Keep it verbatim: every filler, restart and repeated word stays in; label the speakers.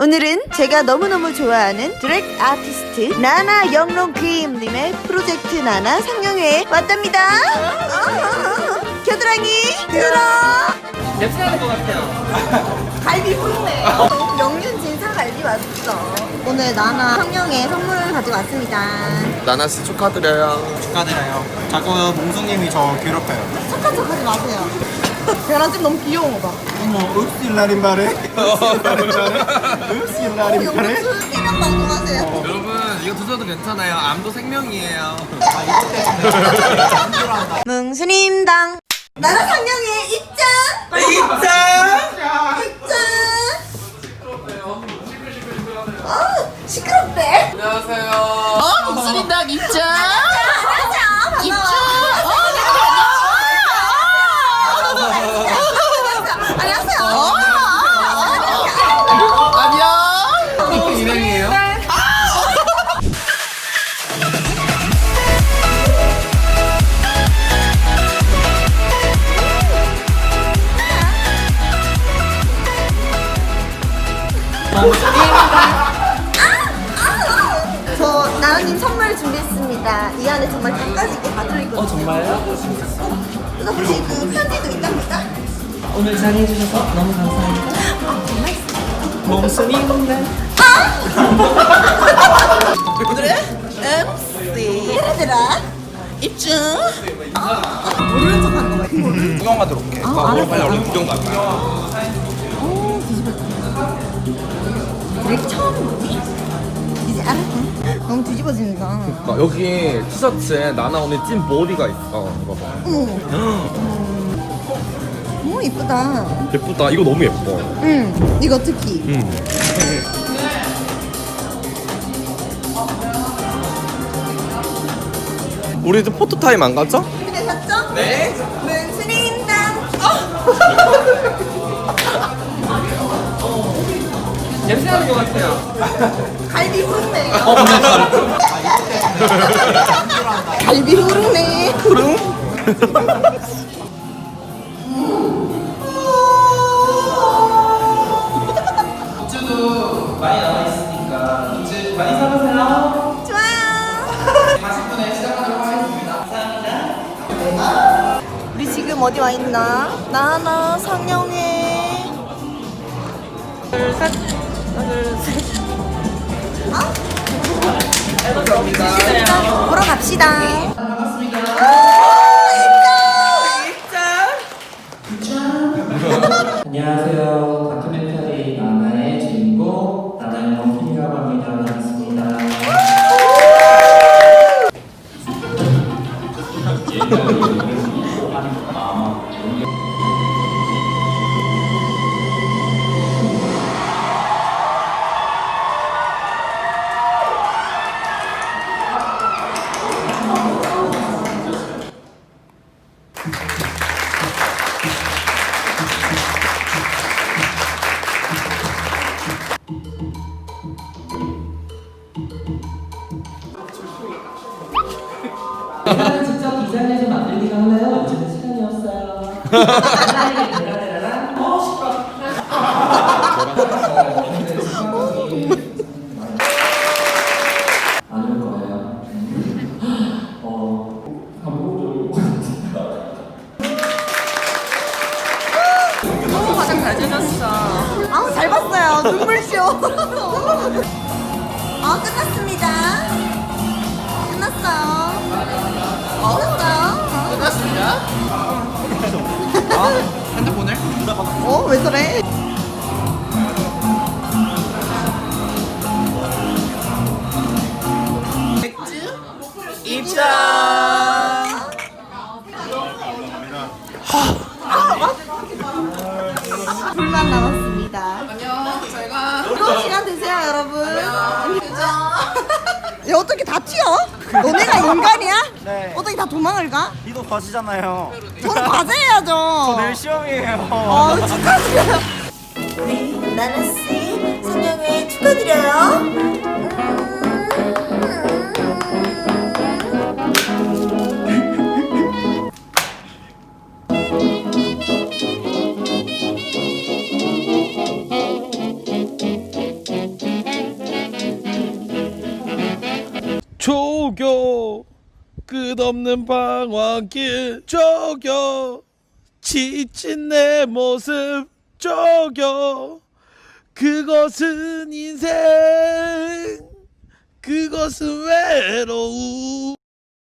Speaker 1: 오늘은 제가 너무너무 좋아하는 드랙 아티스트 나나 영롱크림님의 프로젝트 나나 상영회에 왔답니다. 어, 겨드랑이 들어.
Speaker 2: 랩스하는 것 같아요.
Speaker 1: 갈비 보이네. 명륜 진사 갈비 왔어. 오늘 나나 상영회 선물을 가지고 왔습니다.
Speaker 3: 나나씨 축하드려요.
Speaker 4: 축하드려요. 자꾸 몽수님이 저 괴롭혀요.
Speaker 1: 착한 척 하지 마세요. 벼랑 좀 너무 귀여운 거 봐.
Speaker 4: 어머, 읍실라린 말해. 읍실라린 말해.
Speaker 1: 영수 일명 방송하세요.
Speaker 2: 여러분 이거 드셔도 괜찮아요. 암도 생명이에요.
Speaker 1: 뭉수님당 나나 상영회 입장.
Speaker 2: 입장!
Speaker 1: 입장. 아 시끄럽대.
Speaker 2: 안녕하세요.
Speaker 5: 어, 목소리당 입장.
Speaker 1: 안녕하세요.
Speaker 5: 입장.
Speaker 1: 안녕하세요.
Speaker 5: 안녕.
Speaker 2: 이렇게 유명이에요?
Speaker 1: 저 나은님 선물 준비했습니다. 이 안에 정말 끝까지 다 들어있거든요.
Speaker 6: 어 정말요?
Speaker 1: 그래서 혹시 그 편지도 있답니까?
Speaker 6: 오늘 잘해주셔서 너무 감사합니다.
Speaker 1: 아 정말?
Speaker 6: 몽순이인데
Speaker 1: 그래? 엠씨 얘들아 입증. 아, 모르는 척 하는 거야. 모르는
Speaker 3: 구경 가도록 해.
Speaker 1: 아, 알았어.
Speaker 3: 빨리 얼른 구경 가자.
Speaker 1: 오 뒤집었다. 왜 처음 보니? 이제 알았어. 너무 뒤집어진다.
Speaker 3: 어, 여기 티셔츠에 나나 언니 찐 머리가 있어. 이거 봐.
Speaker 1: 어머. 너무 이쁘다.
Speaker 3: 예쁘다. 이거 너무 예뻐.
Speaker 1: 응. 이거 특히.
Speaker 3: 응. 우리 이제 포토 타임 안 가죠?
Speaker 1: 준비되셨죠? 네. 문수님당.
Speaker 2: 랩스하는 것 같아요.
Speaker 1: 갈비 후르네.
Speaker 2: 어, 근데
Speaker 1: 갈비 후르네.
Speaker 3: 그럼?
Speaker 6: 굿즈도 많이 나와있으니까 굿즈 많이 사가세요.
Speaker 1: 좋아요.
Speaker 6: 사십 분에 시작하도록 하겠습니다. 감사합니다.
Speaker 1: 우리 지금 어디 와 있나? 나나 상영회. 둘, 셋. 하나, 둘, 셋. 어? 감사합니다. 보러 갑시다.
Speaker 6: 반갑습니다. 안녕하세요. 다큐멘터리 나나의 주인공 나나의 원빈이라고 합니다. 반갑습니다. 직접 디자인해서 만들기가 하나요? 요즘은 시간이 없어요. 어, 시끄러. 안올 거예요. 어,
Speaker 5: 너무 화장 잘 지냈어.
Speaker 1: 아우 잘 봤어요. 눈물쇼. 아 끝났습니다. 끝났어요. 끝났어요.
Speaker 5: 끝났습니다.
Speaker 2: 핸드폰을?
Speaker 1: 어? 왜 저래?
Speaker 2: 입장!
Speaker 1: 불만 남았습니다.
Speaker 5: 안녕. 제가
Speaker 1: 즐거운 시간 되세요, 여러분. 야, 어떻게 다 튀어? 너네가 인간이야?
Speaker 4: 네.
Speaker 1: 어떻게 다 도망을 가?
Speaker 4: 이도 거시잖아요.
Speaker 1: 저는 과제해야죠.
Speaker 4: 내일 시험이에요.
Speaker 1: 아, 축하드려요. 우리 나나씨 상영회 축하드려요. 음.
Speaker 7: 조교 끝없는 방황길 조교 지친 내 모습 조교 그것은 인생 그것은 외로움